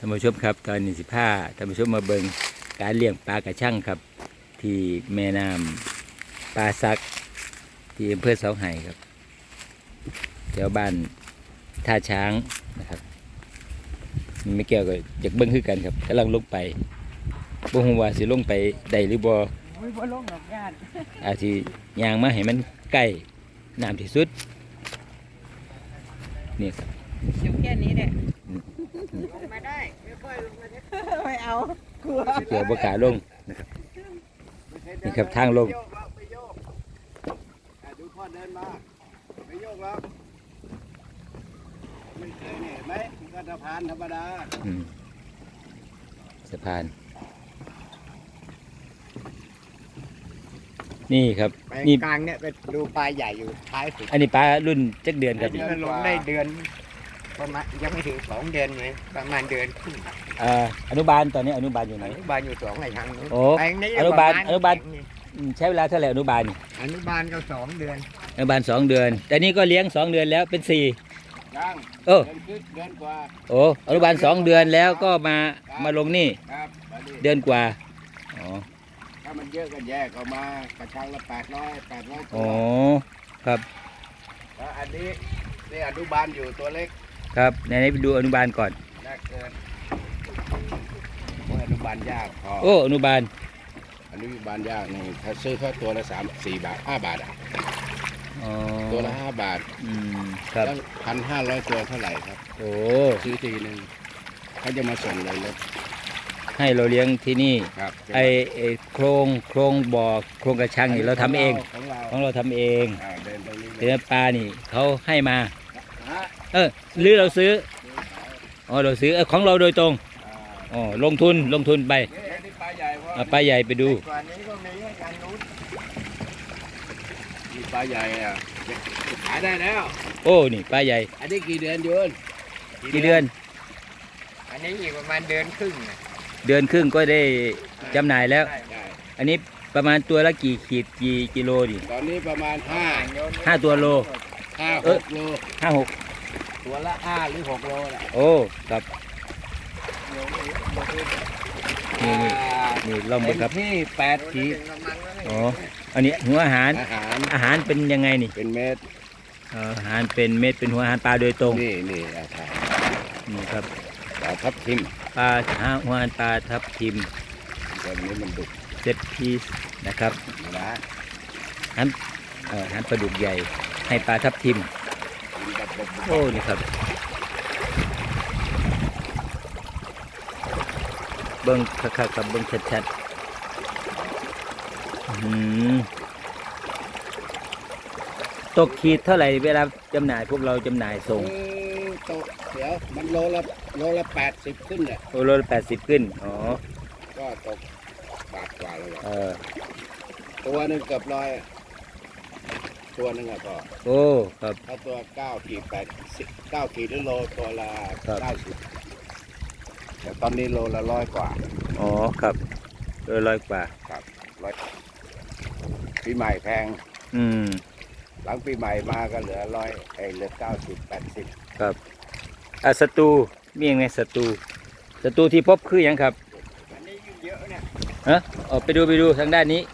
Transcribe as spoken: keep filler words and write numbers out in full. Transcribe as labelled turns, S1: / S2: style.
S1: ท่านผู้ชมครับตอนนี้สิพาท่านผู้ชมมาเบิ่งการเลี้ยงปลากระชังครับ ที่แม่น้ำปลาซักที่อำเภอเสาไห่ครับแถวบ้านท่าช้างนะครับไม่แก้วก็อยากเบิ่งคือกันครับกำลังลงไปบ่ฮู้ว่าสิลงไปได้หรือบ่
S2: ไม่บ่ลงหรอกญาติ
S1: อาจสิย่างมาให้มันใกล้น้ำที่สุดนี่ครับ
S2: อยู่แค่นี้แหละลงมาได้ไม่ค่อยลงมาได้ไม่เอากลัว
S1: เกี่ยวบ่กล้าลงนะครับนี่ครับทางลง
S3: ไปโยกอ่ะดูพ่อเดินมาไปโยกแล้วไม่เคยเนี่ยเห็นไหมมันก็สะพานธรรมดา
S1: อืมสะพาน นี่ครับ
S3: ไป
S1: นี่
S3: กลางเนี่ยไปดูปลาใหญ่อยู่ท้ายสุด
S1: อันนี้ปลารุ่นจักเดือนครับ
S3: อันนี้มันลงได้เดือนประมาณยังไม่ถึงสองเดือนเลยประมาณเดือนครึ่ง
S1: อ่าอนุบาลตอนนี้อนุบาลอยู่ไหน
S3: อนุบาลอยู่สองในทางนู้น
S1: โอ้
S3: แปลงนี้
S1: อนุบาล
S3: ประมณ
S1: อนุบาล อืมใช้เวลาเท่าไหร่อนุบาลนี่
S3: อนุบาลก็สองเดือน
S1: อนุบาลสองเดือน แต่นี่ก็เลี้ยงสองเดือนแล้วเป็นสี่
S3: ยัง
S1: เออ
S3: เดือนครึ่งเดือนกว่า
S1: โอ้อนุบาลสองเดือนแล้วก็มามาลงนี่
S3: ครับตอนนี้
S1: เดือนกว่าอ๋อ
S3: ถ้ามันเยอะก็แยกออกมากระชังละแปดร้อยแปดร้อยตั
S1: อ๋
S3: ว
S1: อครับ
S3: แล้วอันนี้นี่อนุบาลอยู่ตัวเล็ก
S1: ครับไหนๆไปดูอนุบาลก่อน
S3: แรกเกินโอ้ยอนุบาลยากพอ
S1: โอ้อนุบาล
S3: อนุบาลยากนี่ถ้าซื้อแค่ตัวละสามสี่บาทห้าบาทอ่ะ
S1: อ๋อ
S3: ตัวละห้าบาท
S1: อืมครับ
S3: แล้วพันห้าร้อยตัวเท่าไหร่ครับ
S1: โอ้
S3: ซื้อทีหนึ่งเขาจะมาส่งเลยรถ
S1: ให้เราเลี้ยงที่นี่
S3: ครับ
S1: ไอไอโครงโครงบ่อโครงกระชังนี่เราทำเอง
S3: ของเรา
S1: ของเราทำเอง
S3: อ่าเดินตรงนี้
S1: แต่ว่าปลานี่เขาให้มา
S3: ฮะ
S1: เออหรือเราซื้ออ๋อเราซื้อเออของเราโดยตรง
S3: อ่า
S1: อ๋อลงทุนลงทุนไป
S3: นี่นี่ปลาใหญ่เพราะ
S1: เอาปลาใหญ่ไปดู
S3: กว่านี้ก็มีให้การนู้นมีปลาใหญ่อ่ะขายได้แล้ว
S1: โอ้นี่ปลาใหญ่
S3: อันนี้กี่เดือนโยน
S1: กี่เดือน
S3: อันนี้อีกประมาณเดือนครึ่งน่ะ
S1: เดือนครึ่งก็ได้จำหน่ายแล้ว
S3: ได้ได้
S1: อันนี้ประมาณตัวละกี่ขีดกี่กิโลดิ
S3: ตอนนี้ประมาณห้า
S1: ห้าตัวโล
S3: ห้า
S1: เอ
S3: ห
S1: อ
S3: กโล
S1: ห้าหก
S3: ตัวละห้าหรือหกโลแหละ
S1: โอ้ครับนี่นี่นี่ลองดูครับ
S3: เต็มที่แปดขีด
S1: อ๋ออันนี้หัวอาหาร
S3: อาหาร
S1: อาหารเป็นยังไงนี่
S3: เป็นเม็ด
S1: เอ่ออาหารเป็นเม็ดเป็นหัวอาหารปลาโดยตรง
S3: นี่นี่อาหาร
S1: นี่ครับ
S3: ปลาทับทิม
S1: ปลาหาหัวอาหารปลาทับทิม
S3: ตัวนี้มันดุ
S1: เจ็ดพีซนะครับ
S3: นะ
S1: อาหารเอ่ออาหารปลาดุกใหญ่ ให้ปลาทับทิม
S3: กินแบบแบบ
S1: โอ้นี่ครับเบิ้งคักๆกับเบิ้งชัดๆอื้อหือตกขีดเท่าไหร่เวลาจำหน่ายพวกเราจำหน่ายส่ง
S3: เออตกเดี๋ยวมันโลละโลละแปดสิบขึ้นเนี่ย
S1: โอโลละแปดสิบขึ้นอ๋อ
S3: ก็ตกบาทกว่าเลย
S1: เออ
S3: ตัวหนึ่งเกือบร้อยอะตัวหนึ่งอะก็
S1: โอ้ครับ
S3: ถ้าตัวเก้าขีดแปดสิบเก้าขีดหรือโลตัวละ
S1: ครับ
S3: เก้าสิบแต่ตอนนี้โลละร้อยกว่า
S1: อ๋อครับโดยร้อยกว่า
S3: ครับร้อยปีใหม่แพง
S1: อืม
S3: หลังปีใหม่มาก็เหลือร้อยไอ้เหลือเก้าสิบแปดสิบ
S1: ครับอ่ะศัตรูมีอย่างไงศัตรูศัตรูที่พบคืออย่างครับ
S3: อันนี้ยิ่งเยอะเนี่ย
S1: ฮะออกไปดูไปดูทางด้านนี้